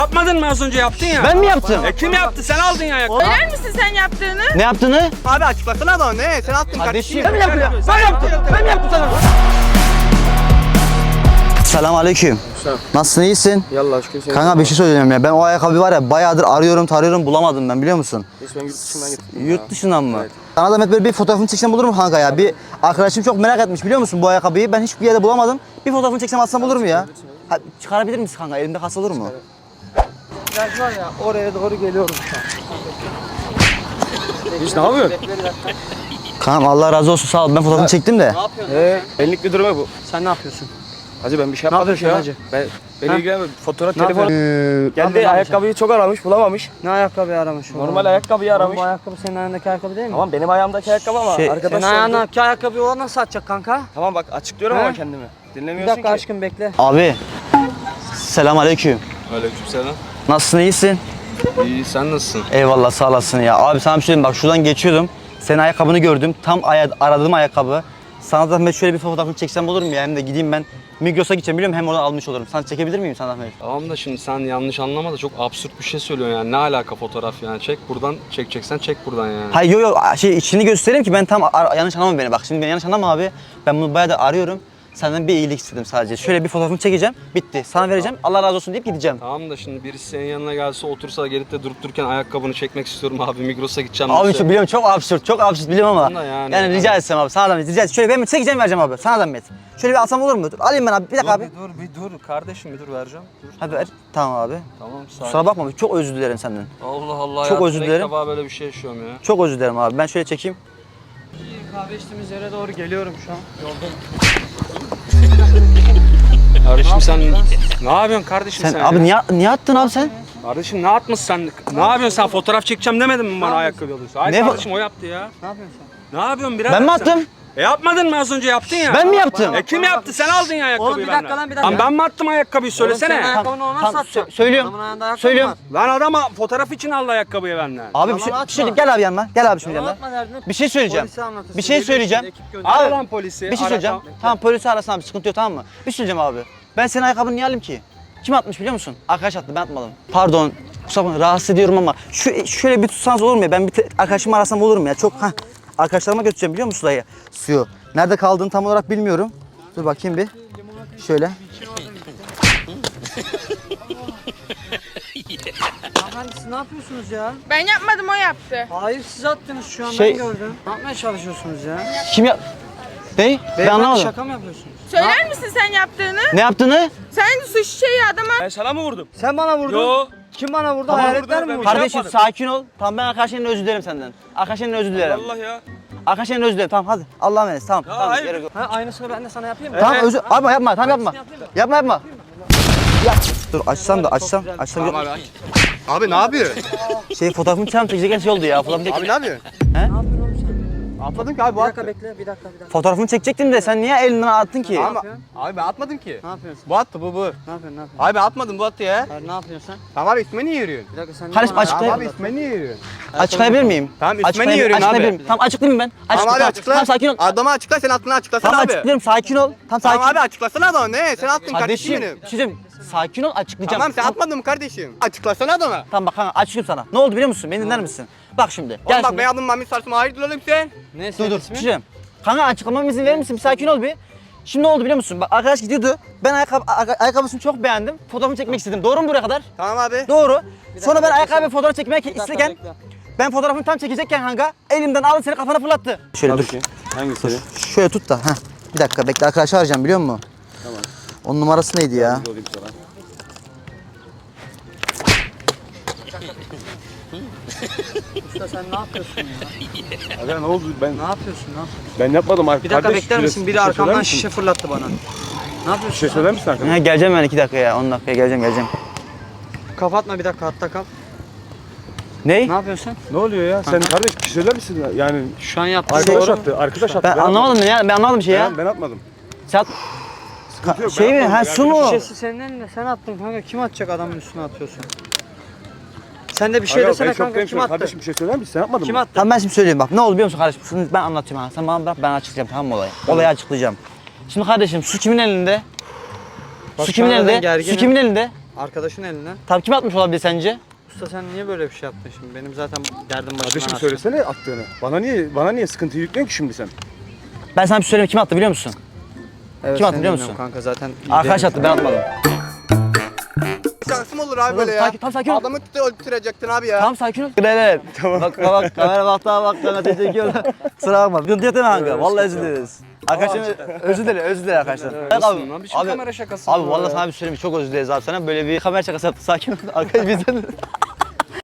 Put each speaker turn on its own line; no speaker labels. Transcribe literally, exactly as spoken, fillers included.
Yapmadın mı az önce yaptın ya?
Ben mi yaptım?
E kim yaptı? Sen aldın ya ayakkabı.
Söyler misin sen yaptığını?
Ne yaptığını?
Abi açıklasana da ne? Sen attın kardeşim.
Ben mi yaptım ya? Ben yaptım. Ben mi yaptım sana? Selam aleyküm. Nasılsın, iyisin?
Yallah şükür seni.
Kanka bir şey söyleyeceğim ya. Ben o ayakkabı var ya bayağıdır arıyorum tarıyorum bulamadım ben, biliyor musun?
Hiç ben yurt dışından getirdim.
Yurt dışından mı?
Evet.
Sana da böyle bir fotoğrafını çeksem olur mu kanka ya? Bir arkadaşım çok merak etmiş, biliyor musun bu ayakkabıyı? Ben hiçbir yerde bulamadım. Bir fotoğrafını çeksem atsam olur mu ya? Ha, çıkarabilir misin kanka? Elimde kalsa olur mu?
Biraz var ya oraya doğru geliyorum şu an. Hiç ne yapıyorsun?
Kanka Allah razı olsun, sağ ol. Ben fotoğrafını çektim de.
Ee, benlik bir durum bu.
Sen ne yapıyorsun?
Hacı ben bir şey yapmadım
yapıyorsun
ya.
hacı?
Ben, beni ilgilenmiyor. Fotoğraf,
Ne
telefon.
yapıyorsun?
Geldi ayakkabıyı çok aramış, bulamamış.
Ne ayakkabı aramış?
Normal ayakkabıyı aramış.
Bu ayakkabı senin ayağındaki ayakkabı değil mi?
Tamam benim ayağımdaki ayakkabı ama
Şey,
arkadaş
Senin
sordu.
ayağındaki ayakkabıyı o nasıl satacak kanka?
Tamam bak açıklıyorum
He?
ama kendimi.
Bir
Dinlemiyorsun
dakika
ki.
aşkım bekle.
Abi. Selam aleyküm.
Aleykümselam.
Nasılsın, iyisin?
İyi, sen nasılsın?
Eyvallah, sağ olasın ya. Abi sana bir şey diyeyim, bak şuradan geçiyordum. Senin ayakkabını gördüm. Tam aya- aradığım ayakkabı. Sana zahmet şöyle bir fotoğrafını çeksem olur mu ya? Hem de gideyim ben Migros'a gideceğim, biliyorum, hem oradan almış olurum. Sana çekebilir miyim sana zahmet?
Tamam da şimdi sen yanlış anlama da çok absürt bir şey söylüyorsun yani. Ne alaka fotoğraf yani? Çek buradan, çekeceksen çek buradan yani.
Hayır yok yok, şey içini göstereyim ki ben tam ar- yanlış anlama beni, bak şimdi beni yanlış anlama abi. Ben bunu bayağı da arıyorum. Senden bir iyilik istedim sadece. Şöyle bir fotoğrafını çekeceğim, bitti. Sana vereceğim, Allah razı olsun deyip gideceğim.
Tamam da şimdi birisi senin yanına gelse otursa gelip de durup dururken ayakkabını çekmek istiyorum abi, Migros'a gideceğim.
Abi
dese.
şu biliyorum çok absürt, çok absürt biliyorum ama.
Tamam da yani.
Yani rica etsem abi, sana zahmet, rica etsem. Şöyle ben çekeceğim, vereceğim abi, sana zahmet. Şöyle bir alsam olur mu? Dur, alayım ben abi, bir dakika abi.
dur bir dur kardeşim, bir dur vereceğim. Dur.
Hadi ver. Tamam abi.
Tamam sağ ol.
Kusura bakma, çok özür dilerim senden.
Allah Allah
Çok
ya.
özür dilerim.
İlk defa böyle bir şey yaşıyorum ya.
Çok özür dilerim abi. Ben şöyle çekeyim.
Kahve içtiğimiz yere doğru geliyorum şu an. Yoldayım.
Kardeşim sen ne yapıyorsun kardeşim sen?
Sen abi
ya?
niye niye attın abi sen?
Kardeşim ne atmışsın sen? Ne yapıyorsun sen? Fotoğraf çekeceğim demedin mi bana ayakkabı alıyorsun? Hayır
Ne bu-
kardeşim o yaptı ya.
Ne yapıyorsun sen?
Ne yapıyorsun birader
Ben mi
sen?
attım?
E yapmadın mı az önce yaptın ya?
Ben mi yaptım?
E kim yaptı? Sen aldın ya ayakkabıyı
Oğlum bir
benden.
dakika lan, bir dakika.
Lan ben mi attım ayakkabıyı söylesene.
Oğlum sen ayakkabını ona
Tamam,
satacaksın.
sö- söylüyorum.
Adamın ayağında ayakkabı
Söylüyorum.
var.
Lan adama fotoğraf için aldı ayakkabıyı benden.
Abi bir şey, bir şey gel abi yanıma. Gel abi şimdi yanıma.
Anlatma derdini.
Bir şey söyleyeceğim.
Polise anlatırsın.
Bir şey
Geliyor
söyleyeceğim.
şimdi, ekip gönder.
Ara
Abi
lan polisi.
bir şey
ara
söyleyeceğim.
tam-
Tamam polisi arasana, bir sıkıntı yok, tamam mı? Bir şey söyleyeceğim abi. Ben senin ayakkabını niye alayım ki? Kim atmış biliyor musun? Arkadaş attı, ben atmadım. Pardon. Kusura bakma, rahatsız ediyorum ama şu şöyle bir tutsanız olur mu ya? Ben bir te- arkadaşımı arasam olur mu ya? Çok ha. Arkadaşlarıma götüreceğim, biliyor musun dayı? Suyu. Nerede kaldığını tam olarak bilmiyorum. Dur bakayım bir. Şöyle.
Hanımefendi siz ne yapıyorsunuz ya?
Ben yapmadım, o yaptı.
Hayır siz attınız şu an,
Şey-
ben gördüm. Ne yapmaya çalışıyorsunuz ya?
Kim ya? Ne? Ben
Beyefendi
anlamadım.
şaka mı yapıyorsunuz?
Söyler misin sen yaptığını?
Ne yaptığını?
Sen su şişeyi adama...
Ben sana mı vurdum?
Sen bana vurdun.
Yo.
Kim bana vurdu?
Tamam,
Hayaletler
vurdu,
mi
ben-
vurdu?
Kardeşim
yapmadım.
sakin ol. Tamam, ben arkadaşlarından özür dilerim senden. Arkadaşlarından özür dilerim.
Allah ya.
Arkadaşlarından özür dilerim. Tamam hadi. Allah'a emanet. Tamam. tamam
hayır.
gerek yok.
Ha, aynısını ben de sana yapayım mı?
Tamam
Evet.
özür. Abi yapma. Tamam yapma.
yapayım mı?
Yapma yapma. Ya. Dur açsam da açsam. Açsam.
Tamam abi.
Abi ne yapıyor?
Şey fotoğrafımı çekeceğim, çekecek şey oldu ya. Fotoğrafımı,
Abi
çek...
ne yapıyor?
Ne yapıyorsun oğlum sen?
Atmadım ki abi bu
Bir
attı.
dakika bekle, bir dakika, bir dakika.
fotoğrafımı çekecektim de sen niye elinden attın ki?
Abi,
yapıyorsun?
abi ben atmadım ki.
Ne yapıyorsun?
Bu attı bu bu.
Ne yapıyorsun, ne yapıyorsun?
Abi ben atmadım bu attı ya.
Hayır, ne yapıyorsun sen?
Tamam abi isme niye yürüyorsun?
Bir dakika sen...
Kardeşim,
bana-
açıkla-
Tamam
Açıklayayım.
abi isme niye yürüyorsun?
Açıklayabilir miyim?
Tamam, ismini
Açıklayabilir-
yürüyorsun abi.
açıklayabilir miyim? Tamam açıklayayım mı ben?
Tamam
Açıkla,
abi açıkla.
Tamam sakin ol.
Adama açıkla, sen aklını açıklasana
Tamam
abi.
açıklıyorum, sakin ol. Tamam sakin.
Tamam abi açıklasana adama ne? Sen attın kardeşim
Kardeşim,
benim.
bir şey diyeyim. Sakin ol, açıklayacağım.
Tamam sen atmadın mı kardeşim? Açıklasana adama.
Tamam bak kanka, açıklayayım sana. Ne oldu biliyor musun? Beni dinler misin? Bak şimdi.
Oğlum
Gel
bak
şimdi.
ben adım Mami Sarsım, hayırdır oğlum sen?
Ne
Dur
senin
dur. Bir
ismin?
şey diyeyim. Kanka açıklamama izin verir misin? Bir sakin ol bir. Şimdi ne oldu biliyor musun? Bak arkadaş gidiyordu. Ben ayakkabı, aya- ayakkabısını çok beğendim. Fotoğrafını çekmek istedim. Doğru mu buraya kadar?
Tamam abi.
Doğru. Sonra ben
bekle,
ayakkabı fotoğraf çekmek
Bir dakika
isterken
bekle.
ben fotoğrafını tam çekecekken kanka elimden aldı, seni kafana fırlattı. Şöyle dur.
Hangisi?
Şöyle tut da. Heh. Bir dakika bekle, arkadaşı arayacağım, biliyor musun? Tamam. Onun numarası neydi ya?
Usta sen ne yapıyorsun ya?
Aga ne oldu ben
Ne yapıyorsun lan?
ben yapmadım abi.
Bir dakika
Kardeş,
bekler misin?
şurası-
Biri
bir şey
arkamdan
söyler misin?
şişe fırlattı bana. Ne yapıyorsun?
Bir şey söyler misin arkadaş?
Ha, geleceğim ben iki dakika ya. on dakikaya geleceğim geleceğim.
Kapatma bir dakika, hatta kal.
Ney?
Ne yapıyorsun?
Ne oluyor ya? Sen kardeş bir şey söyler misin? Yani
Şu an yaptığın
arkadaş
doğru.
attı. Arkadaş attı.
Ben anlamadım ya. Ben anlamadım bir şey ya.
Ben, ben atmadım.
Sen
Sıkıntı yok,
şey
ben
mi?
atmadım.
Ha
Yani
su mu?
Şişesi senin elinde, sen attın kanka. Kim atacak, adamın üstüne atıyorsun? Sen de bir şey
Aga,
desene
ben çok
kanka, kim
gençim.
attı?
Kardeşim bir şey söyler misin? Sen yapmadın
Kim
mı?
attı?
Tamam ben şimdi söyleyeyim bak. Ne oldu biliyor musun kardeşim? Şunu ben anlatayım ha. Sen bana bırak, ben açıklayacağım, tamam mı olayı? Olayı açıklayacağım. Şimdi kardeşim su kimin elinde?
Bak
su kimin
şu an
elinde?
ben gerginim.
Su kimin elinde?
Arkadaşın eline.
Tabii kim atmış olabilir sence?
Usta sen niye böyle bir şey yaptın şimdi? Benim zaten derdim başımdan
Kardeşim
aşkın.
söylesene attığını. Bana niye bana niye sıkıntıyı yüklüyorsun ki şimdi sen?
Ben sana bir şey söyleyeyim, kim attı biliyor musun?
Evet,
Kim attı
seni
biliyor
dinliyorum
musun?
Kanka zaten iyi
Arkadaş
değil.
attı, ben atmadım.
Şansım olur abi böyle ya.
Sakin, tamam sakin ol.
Adamı tut- öldürecektin abi ya.
Tamam sakin ol. Evet. Tamam. Bak bak kamera baktı bak kanka çekiyor. Kusura bakma. Sıkıntı yok değil mi kanka? Vallahi özür dileriz. Arkadaşlar özür dilerim, özür dilerim arkadaşlar. Evet,
Abi, lan bir şey
abi,
kamera şakası.
abi
bu
vallahi
ya.
sana bir şey söyleyeyim, çok özür dileriz abi sana böyle bir kamera şakası yaptık sakin ol. Arkadaş bizden